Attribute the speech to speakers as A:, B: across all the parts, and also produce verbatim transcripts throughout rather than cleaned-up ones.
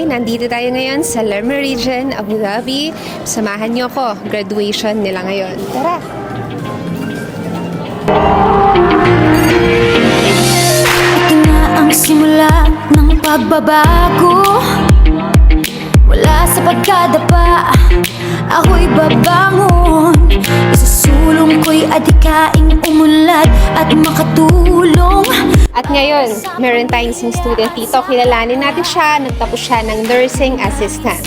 A: nandito tayo ngayon sa Le Méridien, Abu Dhabi. Samahan niyo ako, graduation nila ngayon. Tara!
B: Ito na ang simula ng pagbabago. Wala sa pagkadapa, ako'y babangon. Isusulong ko'y adikaing umunlad at makatulong.
A: At ngayon, meron tayong isang student dito. Kilalanin natin siya. Nagtapos siya ng nursing assistant.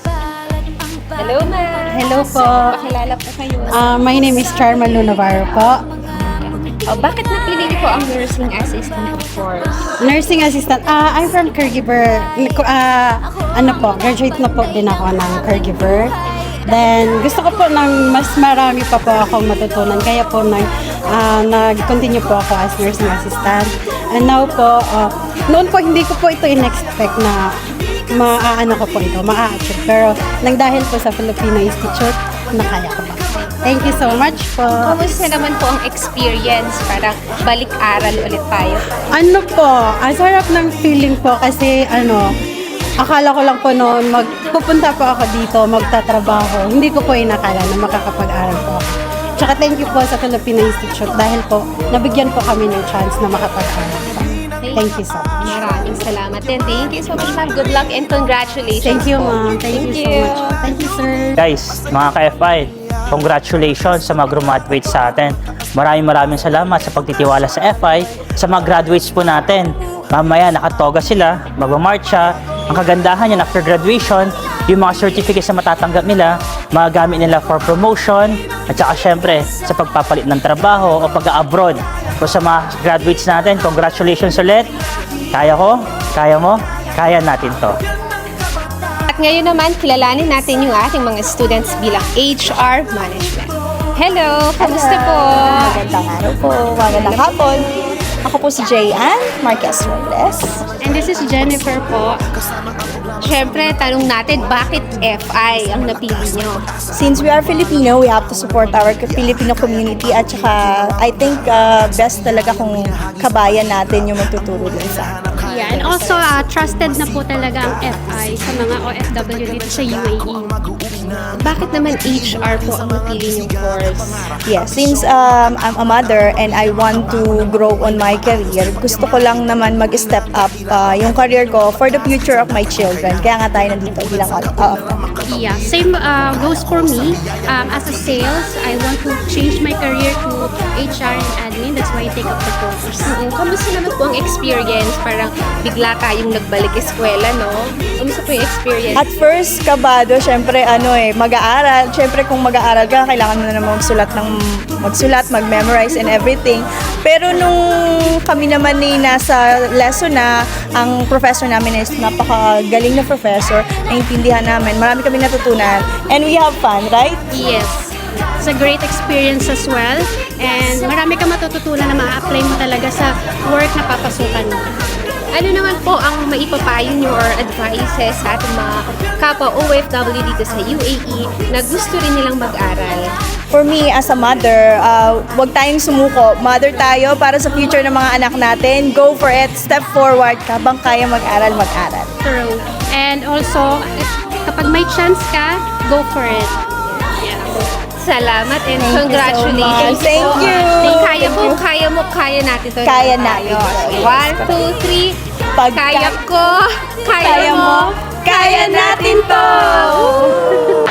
A: Hello, ma'am.
C: Hello po.
A: Pakilala po kayo.
C: Uh, my name is Charma Lunavarro po.
A: Oh, bakit napili niyo po ang nursing assistant course?
C: Nursing assistant. Uh, I'm from caregiver. Uh, ano po, graduate na po din ako ng caregiver. Then, gusto ko po ng mas marami pa po akong matutunan. Kaya po nag, uh, nag-continue po ako as nursing assistant. And now po, uh, noon po hindi ko po ito in-expect na maaano ko po ito, maa-achieve. Pero nang dahil po sa Filipino Institute, nakaya ko pa. Thank you so much po.
A: Kamusta naman po ang experience? Parang balik-aral ulit tayo.
C: Ano po, ang sarap ng feeling po kasi ano, akala ko lang po noon magpupunta po ako dito, magtatrabaho. Hindi ko po inakala na makakapag-aral po ako. Tsaka thank you po sa Filipino Institute dahil po nabigyan po kami ng chance na makapag-aral po. Thank you so much.
A: Maraming salamat din. Thank you so much, ma'am. Good luck and congratulations.
C: Thank you,
A: po.
C: ma'am. Thank, you so much. Thank you, sir.
D: Guys, mga ka-F I, congratulations sa mga graduate sa atin. Maraming maraming salamat sa pagtitiwala sa F I, sa mga graduates po natin. Mamaya nakatoga sila, magmamarcha. Ang kagandahan yan after graduation, yung mga certificates na matatanggap nila, magagamit nila for promotion, at saka syempre sa pagpapalit ng trabaho o pag-abroad. So sa mga graduates natin, congratulations ulit. Kaya ko, kaya mo, kaya natin to.
A: At ngayon naman, kilalanin natin yung ating mga students bilang H R Management. Hello! Kamusta po?
E: Magandang araw po. Magandang hapon. Ako po si Jayan Marquez Robles.
A: And this is Jennifer po. Siyempre, tanong natin, bakit F I ang napili nyo?
E: Since we are Filipino, we have to support our Filipino community at saka I think uh, best talaga kung kabayan natin yung magtuturo din sa atin.
F: Yeah, and also uh, trusted na po talaga ang F I sa mga O F W dito sa U A E.
A: Bakit naman H R po ang napili nyong course?
E: Yeah, since um, I'm a mother and I want to grow on my career, gusto ko lang naman mag-step up uh, yung career ko for the future of my children. Kaya nga tayo nandito bilang O F W.
F: Yeah, same uh, goes for me. Um, as a sales, I want to change my career to H R and admin. That's why I take up the course.
A: Mm, Kamusta naman po ang experience? Parang bigla tayong nagbalik eskwela, no? Kamusta po yung experience?
E: At first, kabado, syempre ano eh, mag-aaral. Syempre kung mag-aaral ka, kailangan mo na naman magsulat ng magsulat, mag-memorize and everything. Pero nung kami naman ni nasa lesson na, ang professor namin is napakagaling na professor, naintindihan namin, marami kami natutunan, and we have fun, right?
F: Yes. It's a great experience as well. And marami ka matututunan na ma-apply mo talaga sa work na papasukan mo.
A: Ano naman po ang maipapayo nyo or advices sa ating mga kapwa O F W dito sa U A E na gusto rin nilang mag-aral?
E: For me, as a mother, uh, huwag tayong sumuko. Mother tayo para sa future ng mga anak natin. Go for it. Step forward. Habang kaya mag-aral, mag-aral.
F: True. And also, kapag may chance ka, go for it.
A: Salamat and
E: Thank you so
A: congratulations.
E: much. Thank
A: po.
E: you.
A: Kaya mo, kaya mo, kaya natin to.
E: Kaya
A: Tayo.
E: natin to.
A: One, two, three.
E: Pag
A: Kaya ko, kaya,
E: kaya
A: mo,
E: mo, kaya natin to!